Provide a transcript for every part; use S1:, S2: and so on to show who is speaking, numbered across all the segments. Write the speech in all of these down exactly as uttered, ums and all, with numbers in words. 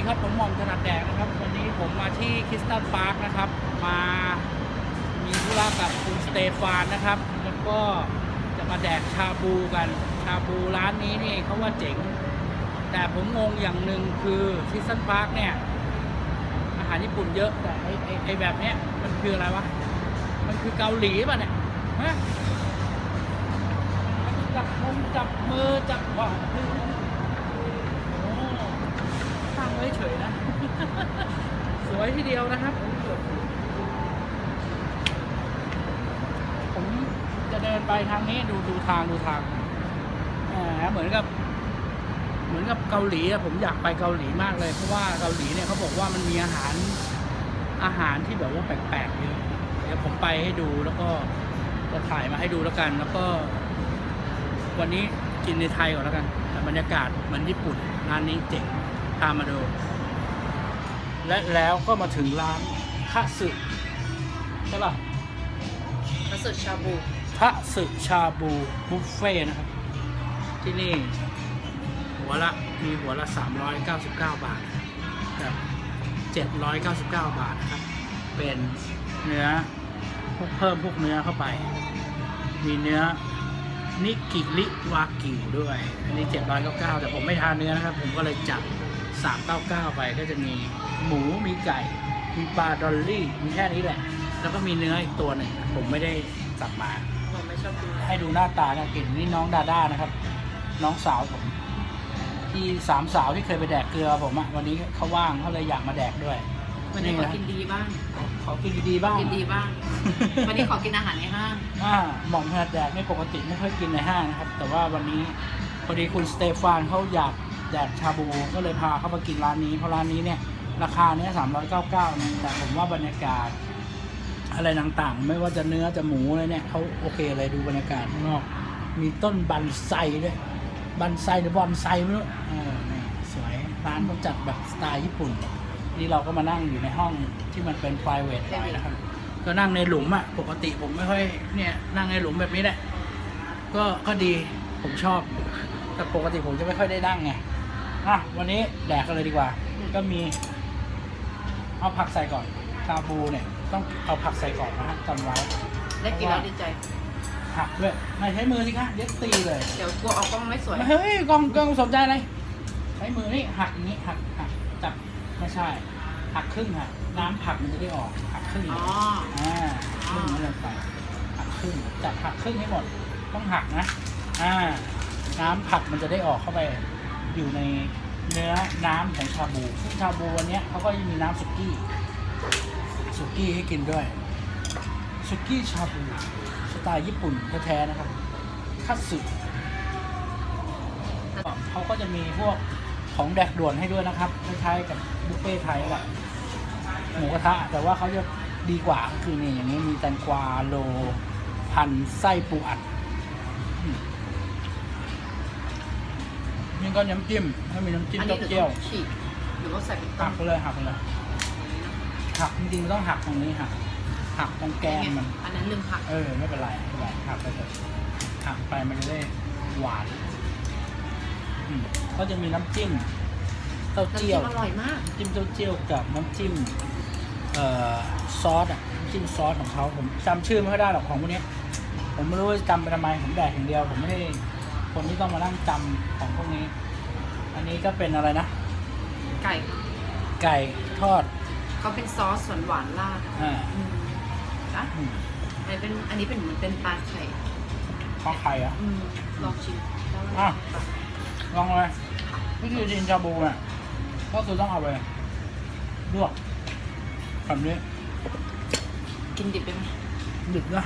S1: ครับผมหม่อมถนัดแดกนะครับวันนี้ผมมาที่คริสตัลพาร์คนะครับมามีธุระกับคุณสเตฟานนะครับแล้วก็จะมาแดกชาบูกันชาบูร้านนี้นี่เขาว่าเจ๋งแต่ผมงงอย่างหนึ่งคือคริสตัลพาร์คเนี่ยอาหารญี่ปุ่นเยอะแต่ไอไอไอแบบเนี้ยมันคืออะไรวะมันคือเกาหลีป่ะเนี่ยฮะจับมือจับมือจับขวาตั้งไว้เฉยนะ สวยทีเดียวนะครับ ผมจะเดินไปทางนี้ดูดูทางดูทางอ่าเหมือนกับ เหมือนกับเกาหลีอะผมอยากไปเกาหลีมากเลยเพราะว่าเกาหลีเนี่ยเขาบอกว่ามันมีอาหารอาหารที่แบบว่าแปลกๆเยอะเดี๋ยวผมไปให้ดูแล้วก็จะถ่ายมาให้ดูแล้วกัน แล้วก็ วันนี้กินในไทยก่อนแล้วกันแต่บรรยากาศเหมือนญี่ปุ่นร้านนี้เจ๋งตามมาดูและแล้วก็มาถึงร้านทะสึใช่ป่ะ
S2: ทะสึชาบู
S1: ทะสึชาบูบุฟเฟ่นะครับที่นี่หัวละมีหัวละสามร้อยเก้าสิบเก้าบาทกับเจ็ดร้อยเก้าสิบเก้าบาทนะครับเป็นเนื้อพวกเพิ่มพวกเนื้อเข้าไป มีเนื้อนิกิริวากิวด้วยอันนี้เจ็ดร้อยเก้าสิบเก้าแต่ผมไม่ทานเนื้อนะครับผมก็เลยจัดสามร้อยเก้าสิบเก้าไปก็จะมีหมูมีไก่มีปลาดอลลี่มีแค่นี้แหละแล้วก็มีเนื้ออีกตัวหนึ่งผมไม่ได้สั่งมา
S2: ผมไม่ชอบกิน
S1: ให้ดูหน้าตาเนี่ยกลิ่นนี่น้องดาด้านะครับน้องสาวผมที่สามสาวที่เคยไปแดกเกลือผมอะวันนี้เขาว่างเขาเลยอยากมาแดกด้วย
S2: วันนี้ขอกินดีบ้าง
S1: ขอกินดีๆบ้าง
S2: กินดีบ้าง วันนี้ขอกินอาหารในห้าง
S1: อ่าหม่อมถนัดแดกไม่ปกติไม่ค่อยกินในห้างนะครับแต่ว่าวันนี้พอดีคุณสเตฟานเขาอยากแดกชาบูก็เลยพาเขามากินร้านนี้เพราะร้านนี้เนี่ยราคาเนี้ยสามร้อยเก้าสิบเก้านะแต่ผมว่าบรรยากาศอะไรต่างๆไม่ว่าจะเนื้อจะหมูอะไรเนี่ยเขาโอเคเลยดูบรรยากาศข้างนอกมีต้นบันไซด้วยบันไซหรือบอนไซไม่รู้เออนี่สวยร้านเขาจัดแบบสไตล์ญี่ปุ่นนี่เราก็มานั่งอยู่ในห้องที่มันเป็น private หน่อยนะครับก็นั่งในหลุมอะปกติผมไม่ค่อยเนี่ยนั่งในหลุมแบบนี้แหละก็ก็ดีผมชอบแต่ปกติผมจะไม่ค่อยได้นั่งไงอ่ะวันนี้แดกกันเลยดีกว่าก็มีเอาผักใส่ก่อนชาบูเนี่ยต้องเอาผักใส่ก่อนนะฮะจำไว้
S2: ได้กินแล้วดีใจ
S1: หักด้วยไม่ใช้มือสิคะเย็ดตีเลย
S2: เดี๋ยวกลัวเอากล้องไม่สวย
S1: เฮ้ยกล้องกล้องสนใจอะไรใช้มือนี่หักอย่างนี้หักหักจับไม่ใช่หักครึ่งค่ะน้ำผักมันจะได้ออกหักครึ่ง
S2: อ๋อ
S1: อ่าครึ่งนั่นลงไปหักครึ่งจับหักครึ่งให้หมดต้องหักนะอ่าน้ำผักมันจะได้ออกเข้าไปอยู่ในเนื้อน้ำของชาบูซึ่งชาบูวันนี้เขาก็ยังมีน้ำสุกี้สุกี้ให้กินด้วยสุกี้ชาบูสไตล์ญี่ปุ่นแท้ๆนะครับคัตสึเขาก็จะมีพวกของแดกด่วนให้ด้วยนะครับคล้ายๆกับบุฟเฟ่ไทยแหละหมูกระทะแต่ว่าเขาจะดีกว่าคือนี่อย่างนี้มีแตงกวาโลพันไส้ปูอัดนี่ก็น้ำจิ้มถ้ามีน้ำจิ้ม
S2: อัน
S1: เต้า
S2: นี้
S1: เจี้ยว
S2: ฉีกหรือว่าใส่เป็นต้
S1: หั
S2: ม
S1: กไปเลยหักไปเลยหักจริงๆมันต้องหักตรงนี้หักหักตรงแกนมัน
S2: อันนั้นลืมผัก
S1: เออไม่เป็นไรไม่เป็นไรหักไปเลยหักไปมันจะได้หวานอืมก็จะมีน้ำจิ้มเต้า
S2: น้ำ
S1: เจี้
S2: จิ้
S1: ยว
S2: มอร่อยมาก
S1: น้ำจิ้มเต้าเจี้ยวกับน้ำจิ้มเอ่อซอสอ่ะน้ำจิ้มซอสของเขาผมจำชื่อไม่ค่อยได้หรอกของพวกนี้ผมไม่รู้ว่าจำไปทำไมผมแดกอย่างเดียวผมไม่ได้คนที่ต้องมานั่งจำของพวกนี้ อันนี้ก็เป็นอะไรนะ
S2: ไก่
S1: ไก่ทอด
S2: เขาเป็นซอสหวานๆราด
S1: อ่า
S2: อืมนะ
S1: อืม
S2: อันนี้เป็นอันนี้เป็นเหมือนเป็นปลาไข่
S1: ข้าวไข่อ่ะ
S2: อืมลองชิมแล้ว
S1: อ่ะ ลองเลยวิธีกินชาบูเนี่ยก็คือต้องเอาไปลวกแบบนี้
S2: กินดิบได้ไหม
S1: ดิบนะ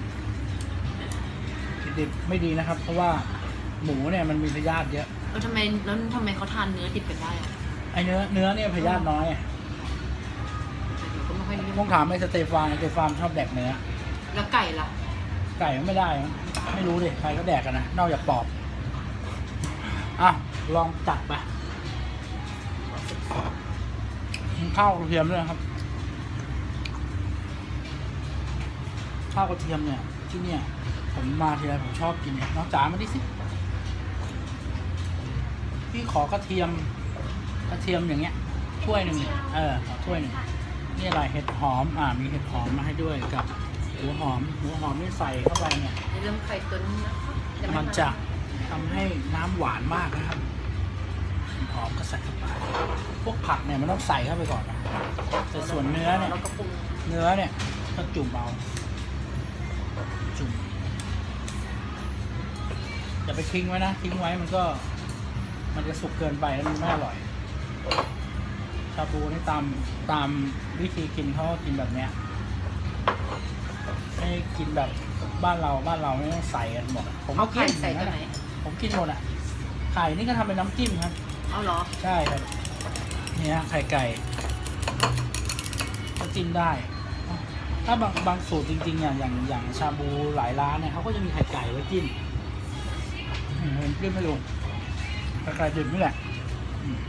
S1: ดิบไม่ดีนะครับ เพราะว่าหมูเนี่ยมันมีพยาธิเยอะ
S2: แล้วทำไมแล้วทำไมเขาทานเนื้อดิบกันได้อะ
S1: ไอเนื้อเนื้อเนี่ยพยาธิน้อยอะ
S2: เดี๋ยวก็ไม่ค่อยนิยม
S1: ต้องถามไอ้สเตฟานไอ้สเตฟานชอบแดกเนื้อ
S2: แล้วไก่ล่ะ
S1: ไก่มันไม่ได้มั้งไม่รู้ดิใครก็แดกกันนะนอกจากปอบอ่ะลองจัดไปข้าวกระเทียมด้วยนะครับข้าวกระเทียมเนี่ยที่เนี่ยผมมาทีไรผมชอบกินเนี่ยน้องจ๋ามาดิสิพี่ขอกระเทียมกระเทียมอย่างเงี้ยถ้วยหนึ่งเออขอถ้วยหนึ่งนี่อะไรเห็ดหอมอ่ามีเห็ดหอมมาให้ด้วยกับหัวหอมหัวหอมนี่ใส่เข้าไปเนี่ย
S2: ในเรื่องไข่ตุ๋นนะคะยังไ
S1: มันจะทำให้น้ำหวานมากนะครับหอมก็ใส่เข้าไปพวกผักเนี่ยมันต้องใส่เข้าไปก่อนนะแต่ส่วนเนื้อเนี่ย
S2: แล้วก็ปรุง
S1: เนื้อเนี่ยก็จุ่มเอาจุ่มอย่าไปทิ้งไว้นะทิ้งไว้มันก็ มันจะสุกเกินไปแล้วมันไม่อร่อยชาบูนี่ตามตามวิธีกินเขาก็กินแบบเนี้ยไม่กินแบบบ้านเราบ้านเราไม่ต้องใส่กันหมดอะผมก็
S2: เอา
S1: กิ
S2: ไข่
S1: น
S2: ใส่ตัวไหน
S1: ผมกินหมดอ่ะไข่นี่ก็ทำเป็นน้ำจิ้มครับ
S2: เอาเหรอ
S1: ใช่ครับเนี่ยไข่ไก่ก็จิ้มได้ ถ้าบางบางสูตรจริงๆอย่างอย่างอย่างชาบูหลายร้านเนี่ยเขาก็จะมีไข่ไก่ไว้จิ้มอืมผมจิ้มไม่ลงไข่ไก่ดิบนี่แหละอืม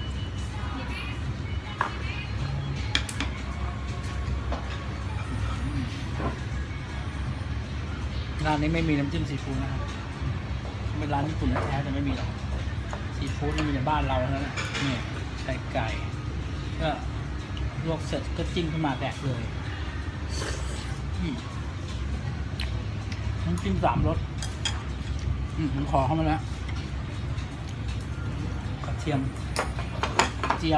S1: ร้านนี้ไม่มีน้ำจิ้มซีฟู้ดนะครับเป็นร้านญี่ปุ่นแท้ๆแต่ไม่มีหรอกซีฟู้ดนี่มีในบ้านเราเท่านั้นแหละนี่ไข่ไก่ก็ลวกเสร็จก็จิ้มขึ้นมาแดกเลยอืมน้ำจิ้มสามรสอืมผมขอเข้ามาแล้วกระเทียมเจียว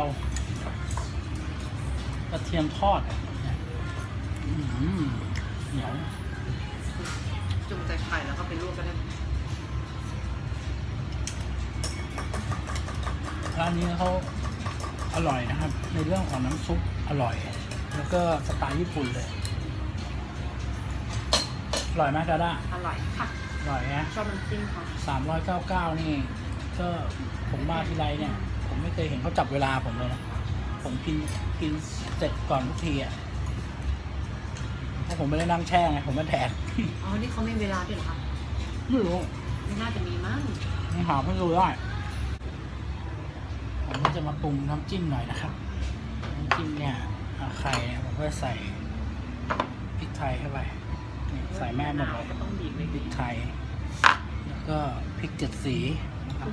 S1: กระเทียมทอดอืมเหนียว
S2: จุ่มใส่ไข่แล้วก็ไปลวกก็ได้
S1: ร้านนี้เขาอร่อยนะครับ ในเรื่องของน้ำซุปอร่อย แล้วก็สไตล์ญี่ปุ่นเลย อร่อยไหมดาด้า
S2: อร่อยค่ะ
S1: อร่อยนะ
S2: ชอบน้ำจิ้มค่ะ
S1: สามร้อยเก้าเก้านี่ ก็ผมมาทีไรเนี่ย ผมไม่เคยเห็นเขาจับเวลาผมเลยนะ ผมกินกินเสร็จก่อนทุกทีอ่ะเพราะผมไม่ได้นั่งแช่ไง ผมไม่แดก
S2: อ๋อ นี่เขาไม่เวลาด้วยเหรอคะ
S1: ไม่รู้
S2: ไม่น่าจะมีมั้ง
S1: ยังหาไม่รู้ได้ผมก็จะมาปรุงน้ำจิ้มหน่อยนะครับ น้ำจิ้มเนี่ยเอาไข่เนี่ยผมก็ใส่พริกไทยเข้าไปนี่ใส่แม่หมดเลย
S2: ก็ต้องบีบเลย
S1: พริกไทย แล้วก็พริกเจ็ดสีนะครับ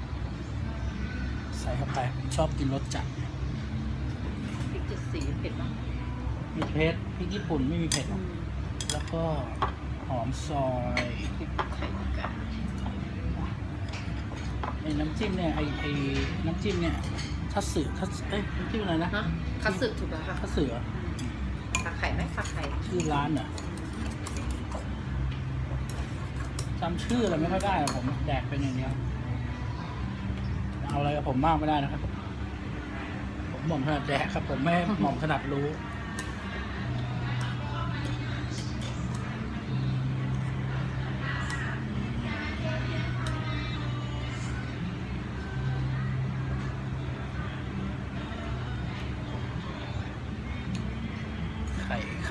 S1: ใส่เข้าไปผมชอบกินรสจัด
S2: พริกเจ็ดสีเผ็ดมาก
S1: มีเผ็ดพริกญี่ปุ่นไม่มีเผ็ดหร
S2: อื
S1: อก
S2: ม
S1: แล้วก็หอมซอย
S2: พริกไข่ไก่
S1: ไอ้น้ำจิ้มเนี่ยไอ้ไอ้น้ำจิ้มเนี่ยทัตสึทัตสึเอ้ยน้ำจิ้มอะไรนะ
S2: นะคัตสึถูกแล้วค่ะ
S1: ทัตสึเหรอ
S2: ผักไข่ไหมผักไข่
S1: ชื่อร้านเหรอจำชื่ออะไรไม่ค่อยได้อะผมแดกเป็นอย่างเดียวเอาอะไรกับผมมากไม่ได้นะครับ ผมหม่อมถนัดแดกครับ ผมไม่หม่อมถนัดรู้ไข่ไข่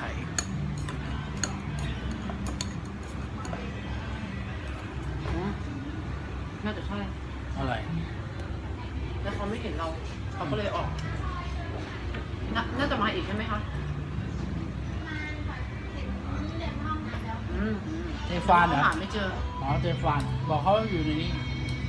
S2: อืมน่าจะใช่
S1: อะไร
S2: แล้วเขาไม่เห็นเรา เขาก็เลยออกนาน่าจะมาอีกใช่ไหมคะอืมอืม
S1: เจฟานเหรอ
S2: หาไม่เจอ
S1: อ๋อเจฟานบอกเขาอยู่ในนี้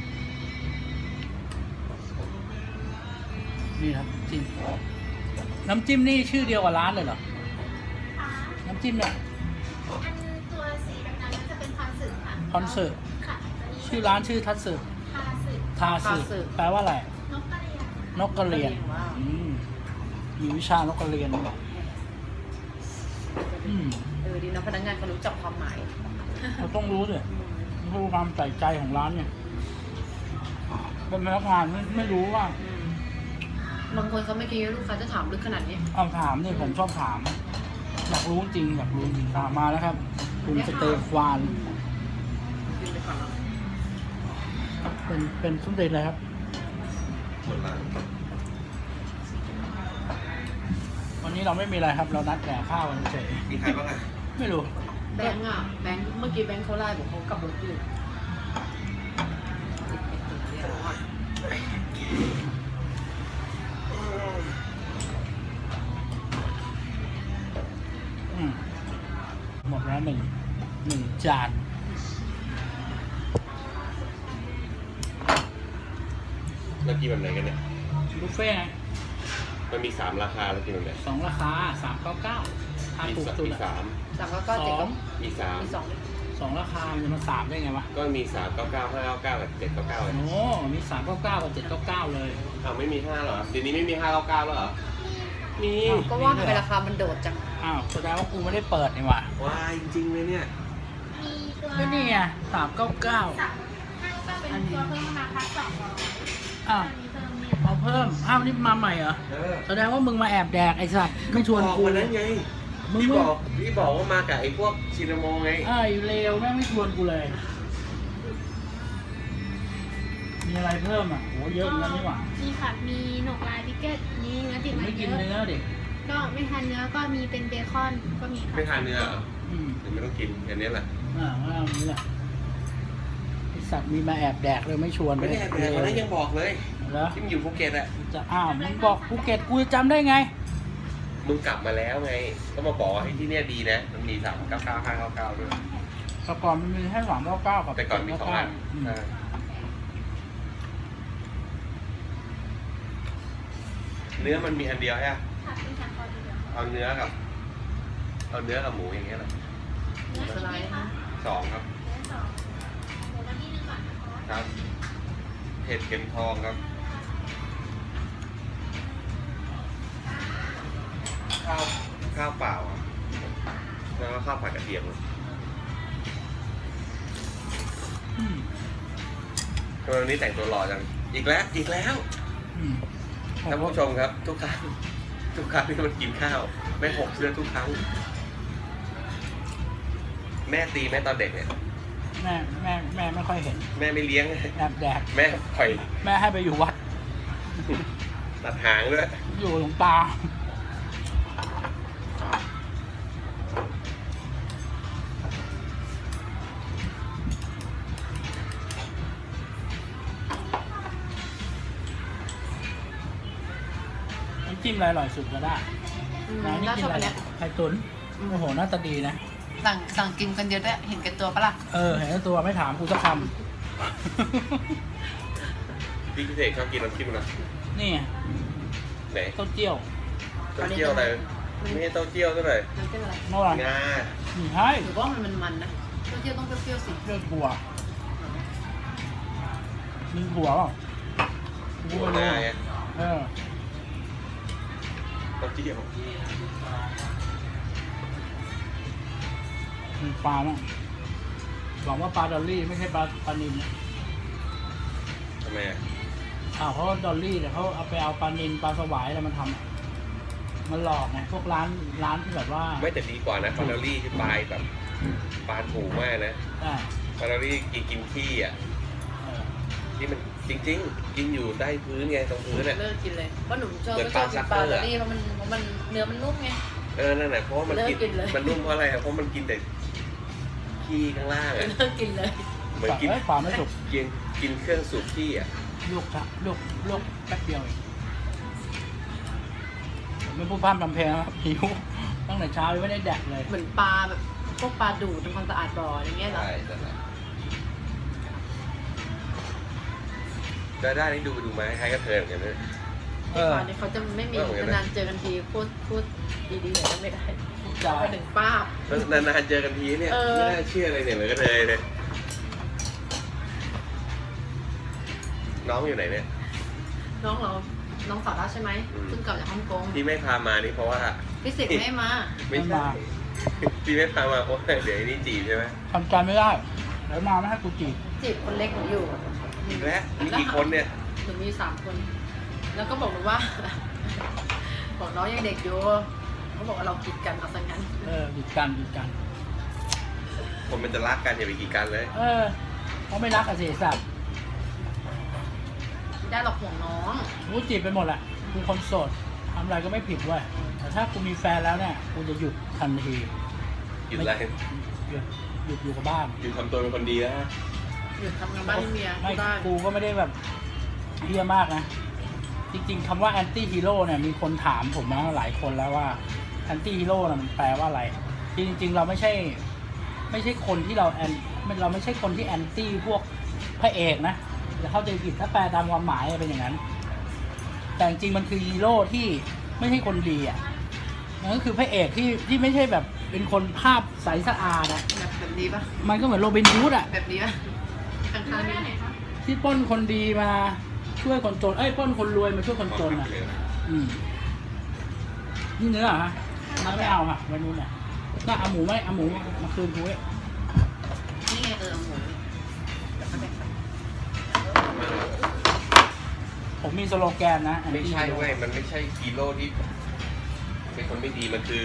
S1: นี่ครับจิ้มน้ำจิ้มนี่ชื่อเดียวกับร้านเลยเหรอ น้ำจิ้มเนี่ย
S3: อันตัวสีดำๆนั้นจะเป็นคอนสึค่ะ
S1: คอนสึ
S3: ค่ะ
S1: ชื่อร้านชื่อทัตสึ
S3: คาสึ
S1: ทาสึ
S2: ทาสึ
S1: แปลว่าอะไร
S3: นกกระเรียน
S1: นกกระเรียน
S2: ว้าว
S1: อืมมีวิชานกกระเรียนด้วยอืม
S2: เออดีนะพนักงานเขารู้จักความหมาย
S1: เราต้องรู้ด้วยรู้ความใส่ใจของร้านเนี่ยเป็นพนักงานไม่ไม่รู้ว่า
S2: อืมบางคนเขาไม่คิดว่าลูกค้าจะถามลึกขนาดนี้
S1: เอาถามเนี่ยผมชอบถาม อยากรู้จริงอยากรู้จริงตามมาแล้วครับ คุณสเตฟาน
S2: กินไปก่อนแล้ว
S1: เป็นเป็นส้มเด็จเลยครับ วันนี้เราไม่มีอะไรครับ เรานัดแก่ข้าวกันเฉย
S4: มีใครบ้างอ่ะ
S1: ไม่รู้
S2: แบงค์อ่ะ แบงค์เมื่อกี้แบงค์เขาไล่บอกเขากลับรถอยู่
S1: อืมหมดแล้วหนึ่งหนึ่งจาน
S4: แล้วกินแบบไหนกันเนี่ย
S1: บุฟเฟ่ต์ไง
S4: มันมีสามราคาแล้วกินตรงไหน
S1: สองราคาสามเก้าเก้าถ้า
S4: มี
S1: ถูก
S4: สาม
S1: สุด
S4: มี
S1: อะ
S4: สาม
S2: สามเก้าเก้า
S1: ส
S2: เจ็ด
S1: อง
S4: มีสาม
S2: มีสอง
S1: สองราคามันจะมาสามได้ไงวะ
S4: ก็มีสามเก้าเก้าห้าเก้าเก้ากับเจ็ดเก้าเก้าเลย
S1: โอ้มีสามเก้าเก้ากับเจ็ดเก้าเก้าเลย
S4: อ้าวไม่มีห้าเหรอเดี๋ยวนี้ไม่มีห้าเก้าเก้าแล้วเหรอมี
S1: อ้าว
S2: ก็ว่าทำไมราคามันโดดจัง
S1: อ้าวแสดงว่ากูไม่ได้เปิดนี่หว่า
S4: ว้ายจริงๆเลยเนี่ย
S3: มีตัว
S1: ก็นี่ไงสามเก้าเก้า
S3: สามห้าก็เป็นตัวเพิ่มมาพักสองร้อย
S1: อ้าว
S3: อันนี้เพิ่มเนี่ย
S1: เอาเพิ่มอ้าวนี่มาใหม่เหรอ
S4: เออ
S1: แสดงว่ามึงมาแอบแดกไอ้สัตว์ไม่ชวน
S4: บอก
S1: กู
S4: วันนั้นไง
S1: มึง
S4: พี่
S1: มึ
S4: บ
S1: ง
S4: อกพี่บอกว่ามากับไอ้พวกชินามงไง
S1: ไอ้เลวแม่งไม่ชวนกูเลย มีอะไรเพิ่มอ่ะโหเยอะเหมือนกันนี่หว่า
S3: มีผัดมีหนกลายพิกเก็ตมีเนื้อติด
S1: ผม
S3: มัน
S1: ไม่
S3: เย
S1: กิน
S3: อะ
S1: เนื้อดิ
S3: ก็ไม่ทานเนื้อก็มีเป็นเบคอนก็มีค่ะ
S4: ไม่ทานเนื้อเหรอ
S1: อืม
S4: เดี๋ยวไม่ต้องกินอันนี้แหละ
S1: อ่าว่าเอานี้แหละไอสัตว์มีมาแอบแดกเลยไม่ชวน
S4: ไม่ได้แอบเลยวันนั้นยังบอกเลย
S1: แล้ว
S4: ที่มันอยู่ภูเก็ตอะ
S1: จะอ้าวมึงบอกภูเก็ตกูจะจำได้ไง
S4: มึงกลับมาแล้วไง ก็มาบอกว่าให้ที่เนี่ยดีนะ มันมีสามเก้าเก้าห้าเก้าเก้าด้วย
S1: แต่ก่อนมันมีแค่สามเก้าเก้ากับ
S4: แต่ก่อนมีสองอัน
S1: อืม
S4: ใช่เนื้อมันมีอันเดียวใช่ไหม
S3: ผัดเป็นผัดคอเดียว
S4: เอาเนื้อกับ เอาเนื้อกับหมูอย่างเงี้ยแหละ
S3: เนื้อสไลด์คะ
S4: สองครับ
S3: เนื้อสองหมูน้ำนี่นึงก่อนนะคะ
S4: ครับเผ็ดเค็มทองครับ ข้าวข้าวเปล่าอะแล้วก็ข้าวผัดกระเทียม
S1: อืม
S4: ทำไมวันนี้แต่งตัวหล่อจัง อีกแล้ว อีกแล้ว
S1: อืม
S4: ท่านผู้ชมครับ ทุกครั้ง ทุกครั้งที่มันกินข้าว แม่หกเสื้อทุกครั้ง แม่ตีแม่ตอนเด็กเนี่ย
S1: แม่แม่แม่ไม่ค่อยเห็น
S4: แม่ไม่เลี้ยง
S1: แอบแดก
S4: แม่ปล่อย
S1: แม่ให้ไปอยู่วัด
S4: ตัดหางด้วย
S1: อยู่หลวงตา น้ำจิ้มอะไรอร่อยสุดก็ได้
S2: อืม
S1: ร้านนี้
S2: น่า
S1: กิ
S2: ช
S1: น
S2: อบ
S1: อะไร
S2: อันเนี้ย
S1: ไข่ตุ๋นโอ้โหหน่าตาดีนะ
S2: สั่งสั่งกินกันเยอะด้วยเห็นแก่ตัวปะล่ะ
S1: เออ เห็นแล้วตัวไม่ถามกูสักค
S4: พี่พิเศษชอบกินน้ำจิ้มนะ
S1: ำ นี่ไง
S4: ไหน
S1: เต้าเจี้ยว
S4: เต้าเจี้ยวอะไรไม่ใช่เต้าเจี้ยวเท่าไหร่
S2: น้ำจิ้มอะไร
S1: เมื่อไหร่
S4: งา
S1: นี่ให้
S2: หรือว่ามันมันมันนะเต้าเจี้ยวต้องเปรี้ยวๆสิ
S1: เลือดบัวมีบัวเปล่ากู
S4: หัว
S1: ไม่
S4: ห
S1: รู้
S4: น้าไง
S1: เออ
S4: เต้าเจี้ยว
S1: มีปลาบ้างหวังว่าปลาดอลลี่ไม่ใช่ปลาปลานิลนะ
S4: ทำไมอ่ะ
S1: อ้าวเพราะว่าดอลลี่เนี่ยเขาเอาไปเอาปลานิลปลาสวายอะไรมันทำอะมันหลอกไงพวกร้านร้านที่แบบว่า
S4: ไม่แต่ดีกว่านะฟาร์รี่ที่ปลายแบบปลาถูกมากนะ
S1: อ่า
S4: ฟาร์รี่กินกินขี้อ่ะ
S1: เออ
S4: ที่มันจริง ๆ กินอยู่ใต้พื้นไงตรงพื้นอ่ะ
S2: เลิกกินเลยเพราะหนูชอบ
S4: เหมือน
S2: ไม่ชอบกิน
S4: ป
S2: ป
S4: ลา
S2: ลา
S4: ซักเกอร์
S2: ดอ
S4: อะ
S2: ลลี่เพราะมันเพราะมันเนื้อมันนุ่มไง
S4: เออนั่นแหละเพราะว่ามันกิน
S2: เลิกกินเลย
S4: มันนุ่มเพราะอะไรอะเพราะมันกินแต่ขี้ข้างล่างอ่ะ
S2: เลิกกินเลย
S4: เหมือนกิน
S1: เอ้ยปลาไม่สุก
S4: กินกินเครื่องสูบขี้อ่ะ
S1: ลวกค่ะลวกลวกแป๊บเดียวเองผมไม่พูดพร่ำทำเพลงนะครับหิวตั้งแต่เช้ายังไม่ได้แดกเลย
S2: เหมือนปลาแบบพวกปลาดูดทำความสะอาดบ่ออย่างเงี้ยเหรอ
S4: ใช่นั่นแหละได้ได้นี่ดูไปดูมาคล้ายๆกับเธอเหมือนกันนะ
S1: เออ
S2: ตอนนี้เขาจะไม่มี
S4: เออเหมือนกันนะ
S2: นานๆเจอกันทีพูดพูดดีๆหน่อยก็ไม่ได้
S1: จ่า
S2: ไปถึงป้าบ
S4: แล้วนานๆเจอกันทีเนี่ย
S2: เออ
S4: ไม่น่าเชื่อเลยเนี่ยเหมือนกับเธอเลยน้องอยู่ไหนเนี่ย
S2: น้องเราน้องสาวเราใช่ไหม
S4: อืม
S2: เพิ่งกลับจากฮ่องกง
S4: ที่ไม่พามานี่เพราะว่า
S2: พี่สิกดิ์ไม่มา
S4: ไม่ใช่ที่ไม่พามาเพราะว่าเดี๋ยวไอ้นี่จีบใช่ไหม
S1: ทำใจไม่ได้เดี๋ยวมาไม่ให้กูจีบ
S2: จีบคนเล็กหนูอยู่
S4: อีกแล้วมีกี่คนเนี่ย
S2: หนูมีสามคน แล้วก็บอกหนูว่า บอกน้องยังเด็กอยู่เขาบอกว่าเราคิดกันเอาซะงั้น
S1: เออหยุดกันหยุดกัน
S4: คนมันจะรักกันอย่าไปกีดกันเลย
S1: เออเขาไม่รักอะสิสัตว์
S2: ไม่ได้หรอกห่วงน้อง
S1: กูจีบไปหมดแหละกูคนโสดทำอะไรก็ไม่ผิดเว้ยแต่ถ้ากูมีแฟนแล้วเนี่ยกูจะหยุดทันที
S4: หยุดอะไร
S1: หยุดหยุดอยู่กับบ้าน
S4: หยุดทำตัวเป็นคนดีแล้ว
S2: หยุดทำงานบ้านให้เมีย
S1: ไม่
S2: ที่บ้าน
S1: กูก็ไม่ได้แบบเฮี้ยมากนะ จริงๆคำว่าแอนตี้ฮีโร่เนี่ยมีคนถามผมมาหลายคนแล้วว่าแอนตี้ฮีโร่น่ะมันแปลว่าอะไรจริงๆเราไม่ใช่ ไม่ใช่คนที่เราแอนเราไม่ใช่คนที่แอนตี้พวกพระเอกนะจะเข้าใจผิดถ้าแปลตามความหมายเป็นอย่างนั้นแต่จริงๆมันคือฮีโร่ที่ไม่ใช่คนดีอ่ะมันก็คือพระเอกที่ที่ไม่ใช่แบบเป็นคนภาพใสสะอาดอ่ะ
S2: แบบแบบนี้ปะ
S1: มันก็เหมือนโรบินฮูดอ่ะ
S2: แบบนี้ปะข้างๆนี้
S1: ที่ปล้นคนดีมาช่วยคนจนเอ้ยปล้นคนรวยมาช่วยคนจนอ่ะ อืมนี่เนื้อเหรอฮะมันไม่เอาค่ะวันนู้นอ่ะน่าเอาหมูไหมเอาหมูมาคืนกูไว้
S2: นี่ไงเออหมูแล้วก็แบ่งไป
S1: ผมมีสโลแกนนะ
S4: ไม่ใช่เว้ยมันไม่ใช่ฮีโร่ที่เป็นคนไม่ดีมันคือ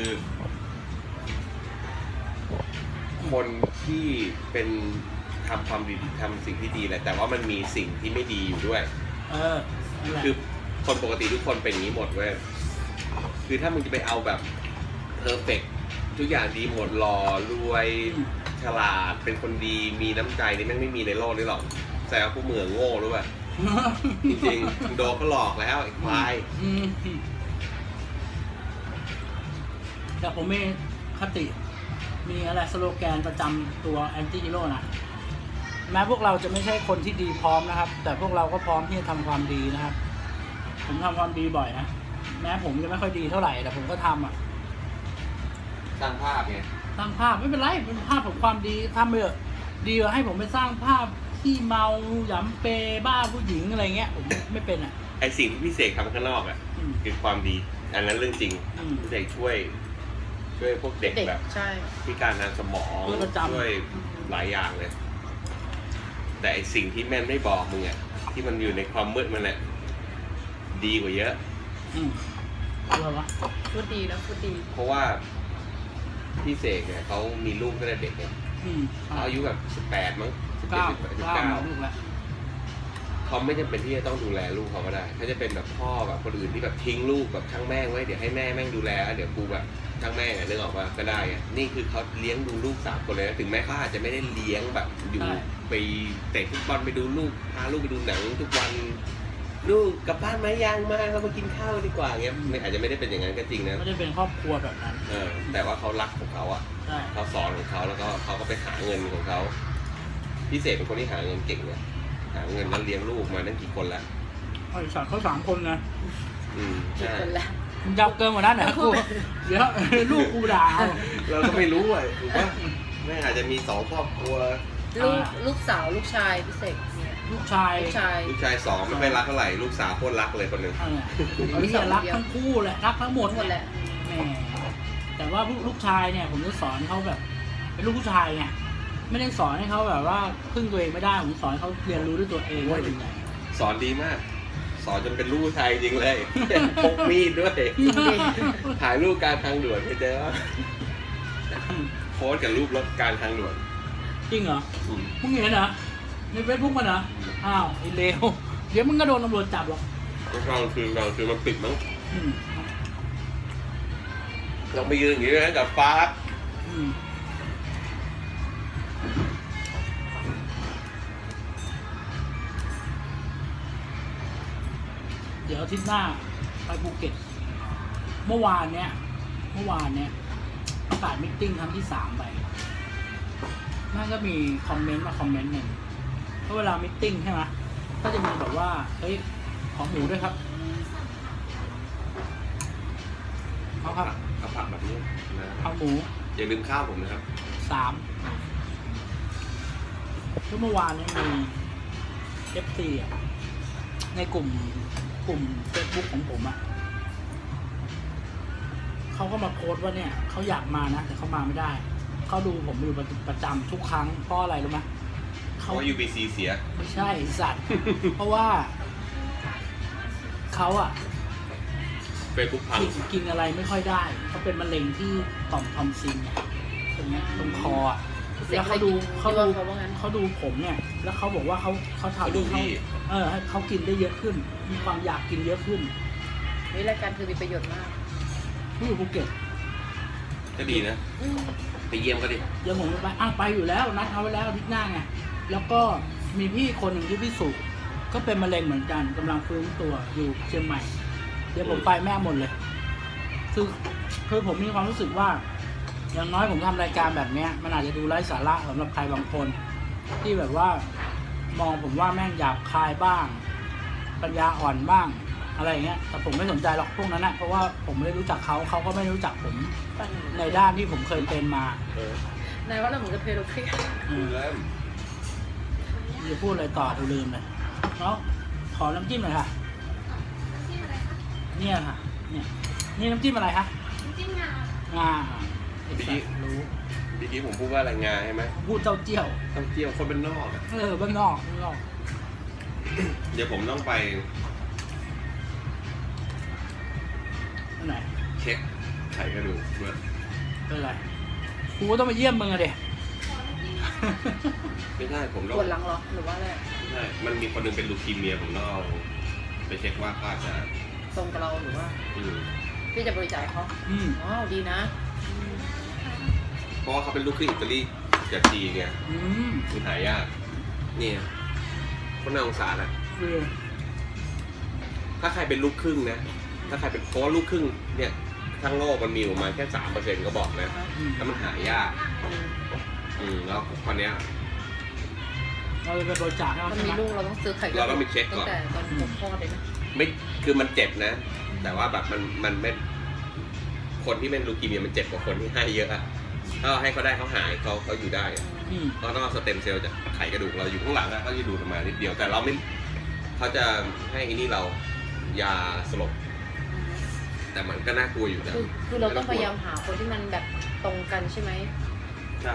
S4: คนที่เป็นทำความดีทำสิ่งที่ดีแหละแต่ว่ามันมีสิ่งที่ไม่ดีอยู่ด้วย
S1: เออนั่นแหละ
S4: คือคนปกติทุกคนเป็นอย่างนี้หมดเว้ยคือถ้ามึงจะไปเอาแบบเพอร์เฟกทุกอย่างดีหมดหล่อรวยฉลาดเป็นคนดีมีน้ำใจนี่แม่งไม่มีในโลกนี้หรอกแต่ว่าผู้เหมืองโง่รู้ป่ะจริงๆมึงโดนก็หลอกแล้วไอ้ควาย
S1: อืมแต่ผมมีคติ มีอะไรสโลแกนประจำตัวแอนตี้ฮีโร่นะแม้พวกเราจะไม่ใช่คนที่ดีพร้อมนะครับ แต่พวกเราก็พร้อมที่จะทำความดีนะครับ ผมทำความดีบ่อยนะแม้ผมจะไม่ค่อยดีเท่าไหร่แต่ผมก็ทำอ่ะ
S4: สร้างภาพไง
S1: สร้างภาพไม่เป็นไรเป็นภาพของความดีทำไปเถอะดีกว่าให้ผมไปสร้างภาพที่เมาหยำเปบ้าผู้หญิงอะไรเงี้ยผมไม่เป็นอ่ะ
S4: ไอสิ่งที่พี่เสกทำข้างนอกอ่ะ
S1: อืม
S4: คือความดีอันนั้นเรื่องจริง
S1: อืม
S4: พี่เสกช่วย ช่วยพวกเด็ก
S2: เด็ก
S4: แบบ
S2: ใช่
S4: พิการทางสมอง
S1: ช่วยประจำ
S4: ช่วยหลายอย่างเลย แต่ไอสิ่งที่แม่นไม่บอกมึงอ่ะที่มันอยู่ในความมืดมันแหละดีกว่าเยอะ
S1: อืมอะไรวะ
S2: พูดดีนะพูดดี
S4: เพราะว่าพี่เสกเนี่ยเขามีลูกตั้งแต่เด็กเนี่ย
S1: อืม
S4: เขาอายุแบบสิบแปดมั้งสิบเจ็ด
S1: เก้า
S4: สิบแปดสิบ
S1: เก้า
S4: เก้า
S1: ลูกละ
S4: เขาไม่จำเป็นที่จะต้องดูแลลูกเขาก็ได้เขาจะเป็นแบบพ่อแบบคนอื่นที่แบบทิ้งลูกแบบช่างแม่งไว้เดี๋ยวให้แม่แม่งดูแลแล้วเดี๋ยวกูแบบช่างแม่งอะนึกออกว่าก็ได้อะนี่คือเขาเลี้ยงดูลูกสามคนเลยนะถึงแม้เขาอาจจะไม่ได้เลี้ยงแบบอยู่ไปเตะฟุตบอลไปดูลูกพาลูกไปดูหนังทุกวันลูกกลับบ้านไหมยังมาเรามากินข้าวดีกว่าเงี้ยไม่อาจจะไม่ได้เป็นอย่างนั้นก็จริงนะ
S1: ไม่ได้เป็นครอบครัวแบบนั้น
S4: เออแต่ว่าเขารักของเขาอะ
S1: ใช่
S4: เขาสอนของเขาแล้วก็เขาก็ไปหาเงินของเขาพิเศษเป็นคนที่หาเงินเก่งเนี่ยหาเงินแล้วเลี้ยงลูกมาตั้งกี่คนแล้ว
S1: ไอ้สัตว์เขาสามคนนะ
S4: อืม
S2: กี่
S4: ใช่
S2: คนละ
S1: มึงยาวเกินกว่านั้นเหรอกูเดี๋ยวลูกกูด่าเอา
S4: เราก็ไม่รู้อ่ะถูกปะแม่อาจจะมีสองครอบครัว
S2: ลูกลูกสาวลูกชายพี่เสกเนี่ย
S1: ลูกชาย
S2: ลูกชาย
S4: ลูกชายสองไม่ค่อยรักเท่าไหร่ลูกสาวโคตรรักเลยคนหนึ่ง
S1: เออไอ้เหี้ยรักทั้งคู่แหละรักทั้งหมด
S2: หมดแหละ
S1: แหมแต่ว่าลูกชายเนี่ย ผมจะสอนเขาแบบ เป็นลูกผู้ชายไงไม่ได้สอนให้เขาแบบว่าพึ่งตัวเองไม่ได้ผมสอนให้เขาเรียนรู้ด้วยตัวเองว่าเป็นไง
S4: สอนดีมาก สอนจนเป็นลูกผู้ชายจริงเลยพกมีดด้วยถ่ายรูปการทางด่วนไปเจอโพสต์กับรูปรถการทางด่วน
S1: จริงเหรอ
S4: อืม
S1: มึงเห็นเหรอในเฟซบุ๊กมันเหรออ้าวไอ้เลวเดี๋ยวมึงก็โดนตำรวจจับหรอก
S4: กลางคืนกลางคืนมันปิดมั้ง
S1: อืม
S4: ลองไปยืนอย่างนี้นะกับฟ้า
S1: อืมเดี๋ยวอาทิตย์หน้าไปภูเก็ต เมื่อวานเนี้ย เมื่อวานเนี้ยประกาศมิทติ้งครั้งที่สามไปน่าก็มีคอมเมนต์มาคอมเมนต์หนึ่งเพราะเวลามิทติ้งใช่ไหมก็จะมีแบบว่า เฮ้ย ขอหมูด้วยครับเอาครับ
S4: เอาผักแบบนี้นะ
S1: เอาหมู
S4: อย่าลืมข้าวผมนะครับ
S1: สามคือเมื่อวานเนี้มีเอฟซีอ่ะ ในกลุ่มกลุ่มเฟซบุ๊กของผมอ่ะเขาก็มาโพสต์ว่าเนี่ยเขาอยากมานะ แต่เขามาไม่ได้ เขาดูผมอยู่ประจำทุกครั้งเพราะอะไรรู้ไหม
S4: เพ
S1: เขา
S4: ราะว่า ยู บี ซี เสีย
S1: ไม่ใช่สัตว์ เพราะว่าเขาอ่ะ
S4: เฟซบุ๊กพัง
S1: กินกินอะไรไม่ค่อยได้เขาเป็นมะเร็งที่ต่อมทอมซินเนี่ยตรงเนี้ยตรงคออ่ะ
S2: พี่เส
S1: แล้
S2: ก
S1: ว
S2: เค
S1: เขา
S2: ย
S1: ดู
S2: กิน
S1: เขา
S2: ที่
S1: ดู
S2: ว่าเขาว่างั้น
S1: เขาดูผมเนี่ย แล้วเขาบอกว่าเขาเขาทำ
S4: เขาดู
S1: ให้เขา
S4: พี่
S1: เออให้เขากินได้เยอะขึ้น มีความอยากกินเยอะขึ้น
S2: นี่รายการคือมีประโยชน์มาก
S1: ที่อยู่ภูเก็ต
S4: ก็ดีนะ
S2: อืม
S4: ไปเยี่ยมก็ดิ
S1: เดี๋ยวผมจะไปอ้าวไปอยู่แล้วนัดเขาไว้แล้วอาทิตย์หน้าไงแล้วก็มีพี่คนหนึ่งที่พี่สุก็เป็นมะเร็งเหมือนกันกำลังฟื้นตัวอยู่เชียงใหม่ เดี๋ยวผมไปแม่หมดเลยคือคือผมมีความรู้สึกว่า อย่างน้อยผมทำรายการแบบเนี้ย มันอาจจะดูไร้สาระสำหรับใครบางคน ที่แบบว่ามองผมว่าแม่งหยาบคายบ้าง ปัญญาอ่อนบ้างอะไรอย่างเงี้ยแต่ผมไม่สนใจหรอกพวกนั้นนะเพราะว่าผมไม่ได้รู้จักเขาเขาก็ไม่รู้จักผม
S2: ปั่น
S1: ในด้านที่ผมเคยเป็นมา
S4: เออน
S2: ายว่าเราเหมือนจะเพลโลเคชั่น
S1: อืม
S4: เริ่ม
S1: จะพูดอะไรต่อกูลืมเลยแล้วขอน้ำจิ้มหน่อยค่ะ
S3: น้ำจิ้มอะไรคะ
S1: เนี่ยค่ะ เนี่ยนี่น้ำจิ้มอะไรคะ
S3: น้ำจิ้มงาง
S1: าไอ้สัตว์รู้
S4: เมื่อกี้ผมพูดว่าอะไรงาใช่ไหม
S1: พูดเจ้าเจี้ยว
S4: ต้องเที่ยวคนเป็นนอกอะ
S1: เออบ้านนอกบ้านนอก
S4: เดี๋ยวผมต้องไป
S1: ที่ไหน
S4: เช็คไข่กระดูกด้วย
S1: เป็นไรกูก็ต้องมาเยี่ยมมึงอะเด็
S3: ขอน้ำจิ้ม
S4: ไม่ใช่ผมต้อง
S2: ปวดหลังเหรอหรือว่าอะไร
S4: ไม่ใช่มันมีคนหนึงเป็นลูคีเมียผมต้องเอาไปเช็คว่าเขาอาจจะ
S2: ตรงกับเราหรือว่า
S4: อืม
S2: พี่จะบริจาคให้เขา
S1: อืม
S2: ว้าวดีนะ
S4: เพราะว่าเขาเป็นลูกครึ่งอิตาลีกับจีนไง
S1: อืม
S4: มันหายากเนี่ยคนน่าสงสารอ่ะ
S1: คือ
S4: ถ้าใครเป็นลูกครึ่งนะ ถ้าใครเป็นเพราะว่าลูกครึ่งเนี่ยทั้งโลกมันมีประมาณแค่สามเปอร์เซ็นต์ก็บอกนะ
S1: อืม
S4: แล้วมันหายาก อืมแล้วคนเนี้ย
S1: เราเลยไปบริจาคให้เขา
S2: มัน
S1: ใช่
S2: มี
S1: ไหม
S2: ลูกเราต้องซื้อไข่
S4: เราต้องไปเช็คก่อน
S2: ตั้งแต่ตอนผมคลอดเลยนะ
S4: ไม่คือมันเจ็บนะ แต่ว่าแบบมันมันไม่คนที่เป็นลูคีเมียมันเจ็บกว่าคนที่ให้เยอะอะถ้าให้เขาได้เขาหายเขาเขาอยู่ได้อะ
S1: อืม
S4: เราต้องเอาสเต็มเซลล์จากไขกระดูกเราอยู่ข้างหลังอะเขาจะดูดออกมานิดเดียว แต่เราไม่เขาจะให้อันนี้เรายาสลบ แต่มันก็น่ากลัวอยู่นะ
S2: คือคือเราต้องพยายามหาคนที่มันแบบตรงกันใช่ไหม
S4: ใช่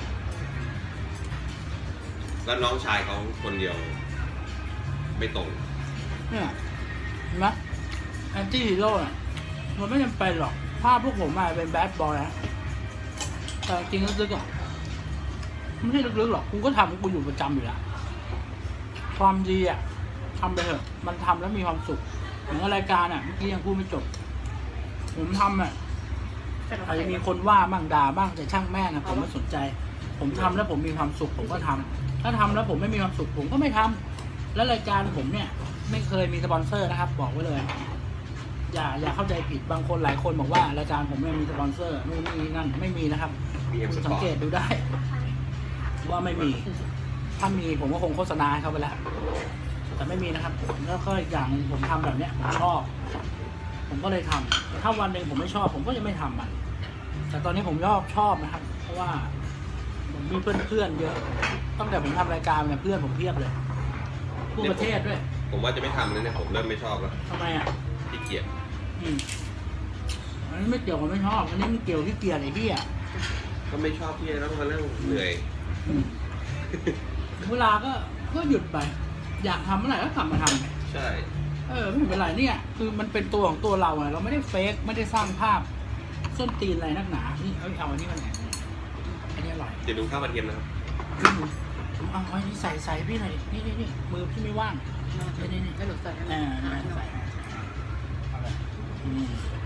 S4: แล้วน้องชายเขาคนเดียว ไม่ตรง
S1: เนี่ยเห็นไหมแอนตี้ฮีโร่น่ะมันไม่จำเป็นหรอกภาพพวกผมอะเป็นแบดบอยนะแต่จริงลึกๆอะไม่ใช่ลึกๆหรอกกูก็ทำกูอยู่ประจำอยู่แล้วความดีอะทำไปเถอะมันทำแล้วมีความสุขเหมือนกับรายการอะเมื่อกี้ยังพูดไม่จบ ผมทำอะอาจจะมีคนว่าบ้างด่าบ้างแต่ช่างแม่งนะผมไม่สนใจ ผมทำแล้วผมมีความสุขผมก็ทำถ้าทำแล้วผมไม่มีความสุขผมก็ไม่ทำแล้วรายการผมเนี่ย ไม่เคยมีสปอนเซอร์นะครับ บอกไว้เลย อย่าอย่าเข้าใจผิดบางคนหลายคนบอกว่ารายการผมเนี่ยมีสปอนเซอร์นู่นนี่นั่นไม่มีนะครับ
S4: มีเอ็ม
S1: คุ
S4: ส
S1: ณสั
S4: ป
S1: ง
S4: อร์
S1: เกต
S4: ต
S1: ดูได้ ว่าไม่มี ถ้ามีผมก็คงโฆษณาให้เขาไปแล้วแต่ไม่มีนะครับแล้วก็อีกอย่างหนึงผมทำแบบเนี้ยผมชอบ ผมก็เลยทำถ้าวันหนึ่งผมไม่ชอบ ผมก็จะไม่ทำมันแต่ตอนนี้ผมชอบชอบนะครับ เพราะว่าผมมีเพื่อนเพื่อนๆเยอะตั้งแต่ผมทำรายการเนี่ยเพื่อนผมเพียบเลยทั่วประเทศด้วย
S4: ผมว่าจะไม่ทำแล้วเนี่ยผมเริ่มไม่ชอบแล้ว
S1: ทำไมอ่ะ
S4: ขี้เกียจ
S1: อืมอันนี้ไม่เกี่ยวกับไม่ชอบอันนี้มันเกี่ยวที่เกียร์ไอ้พี่อ่ะ
S4: ก็ไม่ชอบที่จะต้องมานั่งเหนื่อย
S1: อืมเวลาก็ก็หยุดไป อยากทำเมื่อไหร่ก็กลับมาทำ
S4: ใช่
S1: เออไม่เป็นไรเนี่ย คือมันเป็นตัวของตัวเราไงเราไม่ได้เฟกไม่ได้สร้างภาพ ส้นตีนอะไรนักหนานี่เอาเอาอันนี้มาไหนอันนี้อร่อย
S4: เดี๋ยวดูข้าวกระเทียมนะครับ
S1: อืมเอาเอาอันนี้ใส่ใส่พี่หน่อยดินี่นี่นี่มือพี่ไม่ว่าง นี่นี่นี่
S2: ให้หนูใส่ให้หน่
S1: อ่า
S2: อย
S1: ใส่
S2: ให้หน่อย
S1: เอาเลยอืม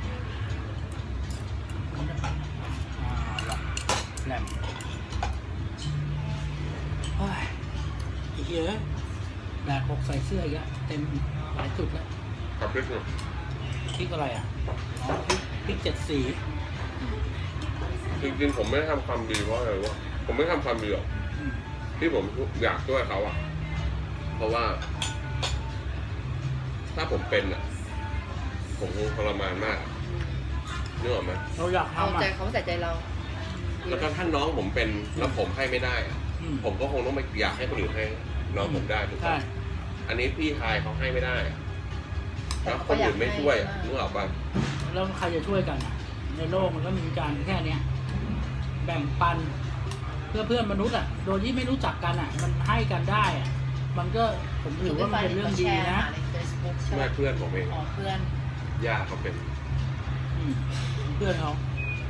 S1: มันจะปัดอ่าละแหลมเฮ้ยอีกเยอะแบกหกใส่เสื้ออีกแล้วเต็มหลายจุดแล้ว
S4: ขอบคุณครับ
S1: พริกอะไรอ่ะอ๋อพริกพริกเจ็ดสี
S4: จริงๆผมไม่ได้ทำความดีเพราะอะไรวะผมไม่ทำความดีหรอก
S1: อืม
S4: ที่ผมอยากช่วยเขาอะเพราะว่า ถ้าผมเป็นอะผมคงทรมานมากนึกออกไหม
S1: เราอยาก
S2: เอา
S1: ทำอ่ะ
S2: ใจเขาใส่ใจเรา
S4: แล้วก็ถ้าน้องผมเป็นแล้วผมให้ไม่ได้อะ
S1: อืม
S4: ผมก็คงต้องไปอยากให้คนอื่นให้น้องผมได้ถูก
S1: ใช่
S4: ปะอันนี้พี่ชายเขาให้ไม่ได้อะแล้วคนอื่นไม่ช่วยอะนึกออกปะ
S1: แล้วใครจะช่วยกันอ่ะ ในโลกมันก็มีการแค่เนี้ยแบ่งปัน เพื่อเพื่อนมนุษย์อ่ะ โดยที่ไม่รู้จักกันอ่ะ มันให้กันได้อ่ะ มันก็ผมถือว่ามันเป็นเรื่องดีนะ
S2: ใน Facebook ใช่ไหม
S4: แม่เพื่อนผมเอง
S2: อ๋อเพื่อน
S4: ย่าเขาเป็น
S1: อืมเพื่อนเขา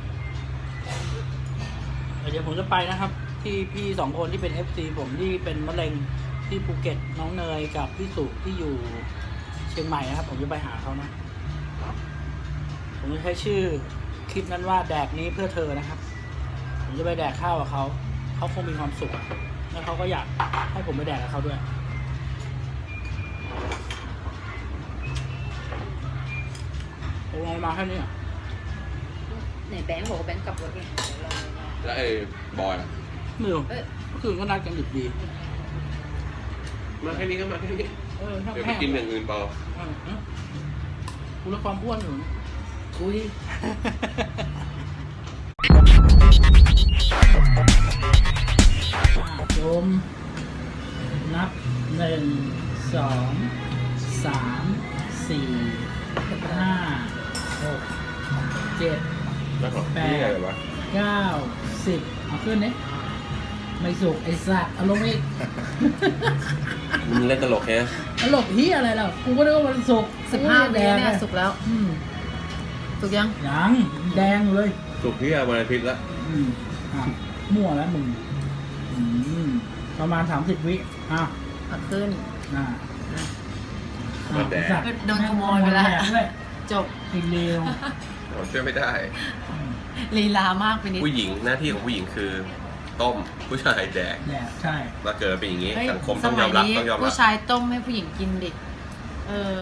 S1: เดี๋ยวผมจะไปนะครับ ที่พี่สองคนที่เป็น เอฟ ซี ผมที่เป็นมะเร็งที่ภูเก็ตน้องเนยกับพี่สุที่อยู่เชียงใหม่นะครับ ผมจะไปหาเขานะ ผมจะใช้ชื่อคลิปนั้นว่าแดกนี้เพื่อเธอนะครับ ผมจะไปแดกข้าวกับเขาเขาคงมีความสุขอะแล้วเขาก็อยากให้ผมไปแดกกับเขาด้วยผมลงมาแค่นี้อ่ะ
S2: ไหนแบงค์บอกว่าแบงค์กลับรถไงเดี๋ยวลองดูนะ
S4: แล้วไอ้บอยอะ
S1: ไม่รู้
S2: เอ้ย
S1: เมื่อคืนก็นัดกันดึกดี
S4: มาแค่นี้ก็มาแค่นี้
S1: เออช่าง
S4: เดี๋ยวไป
S1: แม่ง
S4: กินอย่างอื่นเปล่า
S1: เออเออกูลดความอ้วนอยู่คุย โยมนับหนึ่งสองสามสี่ห้าหกเจ็ด
S4: แล้วของ
S1: แป
S4: พี่
S1: ด
S4: อะไรวะ
S1: เก้าสิบเอาขึ้นเนี่ยไม่สุกไอ้สัตว์เอาลงอีก
S4: มึงเล่นตลกแค่
S1: ตลกเฮียอะไรล่ะกูก็นึกว่ามันสุก
S2: สิบห้า
S1: แด
S2: วิ
S1: ง
S2: เนี่ย
S1: อะ
S2: สุกแล้ว
S1: อืม
S2: สุกยัง
S1: ยังแดงอยู่เลย
S4: สุกพี่อะวันอาทิตย์ละ
S1: อืมอ่ะมั่วแล้วมึงอืมประมาณสามสิบวิอ้าว
S2: เอาขึ้น
S1: อ่า
S2: อ่ะ
S1: อ้าวไอ้สัตว์
S2: โดนขโมยไปแล้ว
S1: ม่งด้วย
S2: จบ
S1: ไอ้เลว
S4: ผมช่วยไม่ได้
S2: ลีลามากไปนิด
S4: ผู้หญิงหน้าที่ของผู้หญิงคือต้มผู้ชายแดก
S1: แดกใช่
S4: มาเกิดเป็นอย่างนี้
S2: เฮ้ย
S4: สังคม
S2: ส
S4: ต้องย
S2: มั
S4: อย มรับ
S2: นี้
S4: ต้องยอมรับ
S2: ผู้ชายต้มให้ผู้หญิงกินดิเออ